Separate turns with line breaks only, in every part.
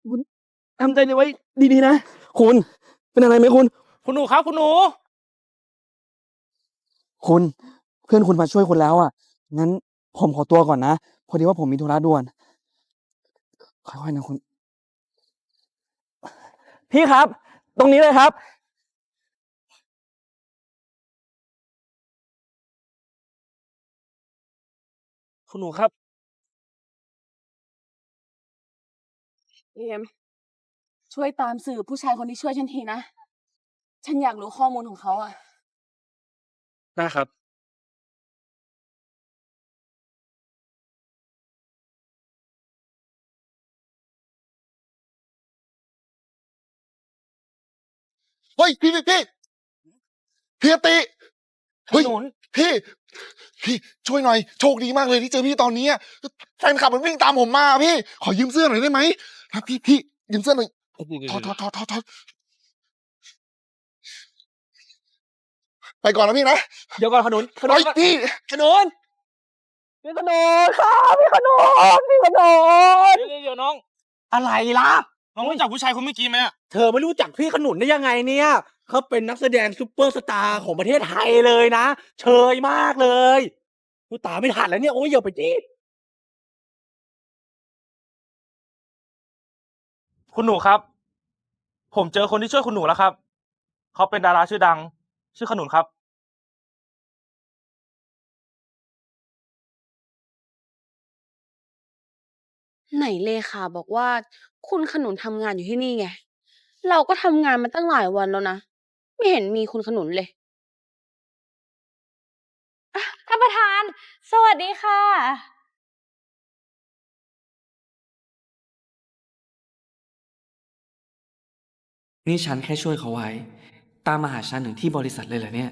คุณทำใจไว้ดีๆนะคุณเป็นอะไรไหมคุณ
คุณหนูครับคุณหนู
คุณเพื่อนคุณมาช่วยคุณแล้วอะงั้นผมขอตัวก่อนนะพอดีว่าผมมีธุระด่วนค่อยๆนะคุณพี่ครับตรงนี้เลยครับ
คุณหนูครับ
เอมช่วยตามสืบผู้ชายคนที่ช่วยฉันทีนะ ฉันอยากรู้ข้อมูลของเขาอะ
ได้ครับ
เฮ้ยพี่อติ
ข
เฮ้ย
นุน
พี่พี่ช่วยหน่อยโชคดีมากเลยที่เจอพี่ตอนนี้อะแฟนคลับมันวิ่งตามผมมาพี่ขอยืมเสื้อหน่อยได้ไหมครับพี่ยืมเสื้อหน่อยถอดไปก่อนนะพี่นะ
เดี๋ยวก่อนขนุน
เฮ้ยพี่
ขนุน
พี่ขนุนครับพี่ขนุนพี่ขนุน
เดี๋ยวน้อง
อะไรล่ะ
น้องรู้จักผู้ชายคนเมื่อกี้ไหมอะ
เธอไม่รู้จักพี่ขนุนได้ยังไงเนี่ยเขาเป็นนักแสดงซุปเปอร์สตาร์ของประเทศไทยเลยนะเชยมากเลยกูตามไม่ทันแล้วเนี่ยโอ้ยอย่าไปจี้
คุณหนูครับผมเจอคนที่ช่วยคุณหนูแล้วครับเขาเป็นดาราชื่อดังชื่อขนุนครับ
ไหนเลขาบอกว่าคุณขนุนทำงานอยู่ที่นี่ไง เราก็ทำงานมาตั้งหลายวันแล้วนะ ไม่เห็นมีคุณขนุนเลย
ท่านประธาน สวัสดีค่ะ
นี่ฉันแค่ช่วยเขาไว้ ตามมาหาฉันถึงที่บริษัทเลยเหรอเนี่ย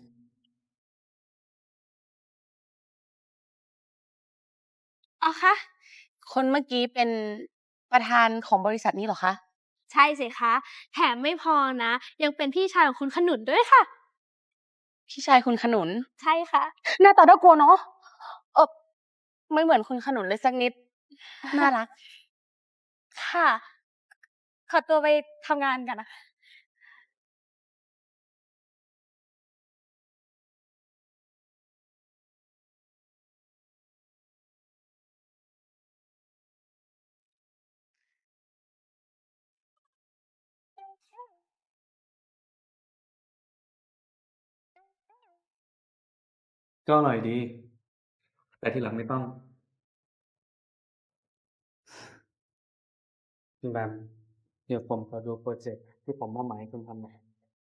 อ๋อคะคนเมื่อกี้เป็นประธานของบริษัทนี้เหรอคะ
ใช่สิคะ แถมไม่พอนะ ยังเป็นพี่ชายของคุณขนุนด้วยค่ะ
พี่ชายคุณขนุน
ใช่ค่ะ
หน้าตาน่ากลัวเนาะเออไม่เหมือนคุณขนุนเลยสักนิด น่ารัก
ค่ะ ขอตัวไปทำงานกันนะคะ
ก็อร่อยดี แต่ทีหลังไม่ต้องคุณแบมเดี๋ยวผมขอดูโปรเจกต์ที่ผมมอบหมายให้คุณทำหน่อย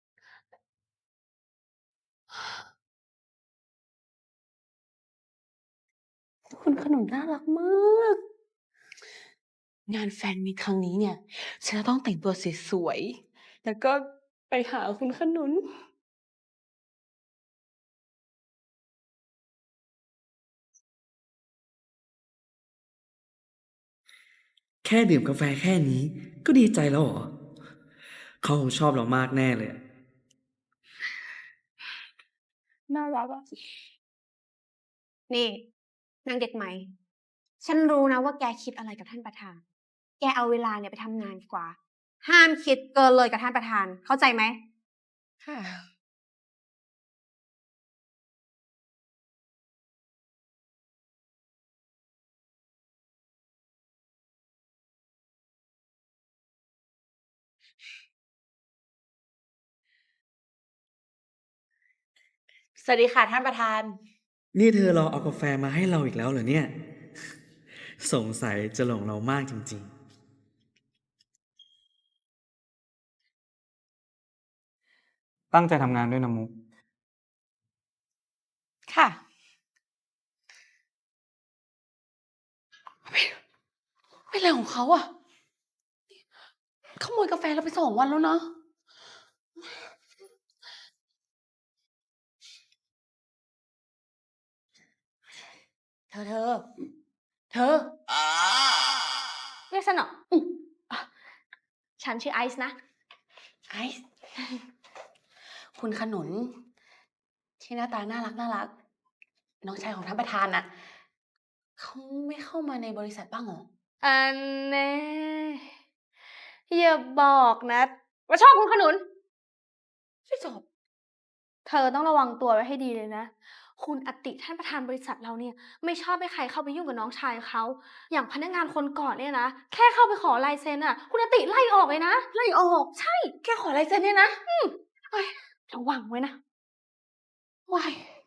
คุณขนุนน่ารักมาก งานแฟนมีตครั้งนี้เนี่ย ฉันจะต้องแต่งตัวสวยๆ แล้วก็ไปหาคุณขนุน
แค่ดื่มกาแฟแค่นี้ก็ดีใจแล้วเหรอ เขาคงชอบเรามากแน่เลยอะ
น่ารักอะ
นี่นางเด็กใหม่ ฉันรู้นะว่าแกคิดอะไรกับท่านประธาน แกเอาเวลาเนี่ยไปทำงานดีกว่า ห้ามคิดเกินเลยกับท่านประธาน เข้าใจไหม
ค่ะ สวัสดีค่ะท่านประธาน
นี่เธอรอเอากาแฟมาให้เราอีกแล้วเหรอเนี่ย สงสัยจะหลงเรามากจริงๆ ตั้งใจทำงานด้วยนะมุก
ค่ะ เป็นอะไรของเขาอะขโมยกาแฟเราไป2 วันแล้วนะ เธอ
เรียกฉันเหรอ
อืม
ฉันชื่อไอซ์นะ
ไอซ์คุณขนุน ที่หน้าตาน่ารักน้องชายของท่านประธานน่ะเขาไม่เข้ามาในบริษัทบ้างเหรอ
อันแน่อย่าบอกนะว่าชอบคุณขนุน
ไม่จบ
เธอต้องระวังตัวไว้ให้ดีเลยนะ คุณอติท่านประธานบริษัทเราเนี่ย ไม่ชอบให้ใครเข้าไปยุ่งกับน้องชายเขา อย่างพนักงานคนก่อนเนี่ยนะ แค่เข้าไปขอลายเซ็นอะคุณอติไล่ออกเลยนะ ไล่ออก ใช่
แค่ขอลายเซ็นเนี่ยนะ
เอ้ยระวังไว้นะ
ว้าย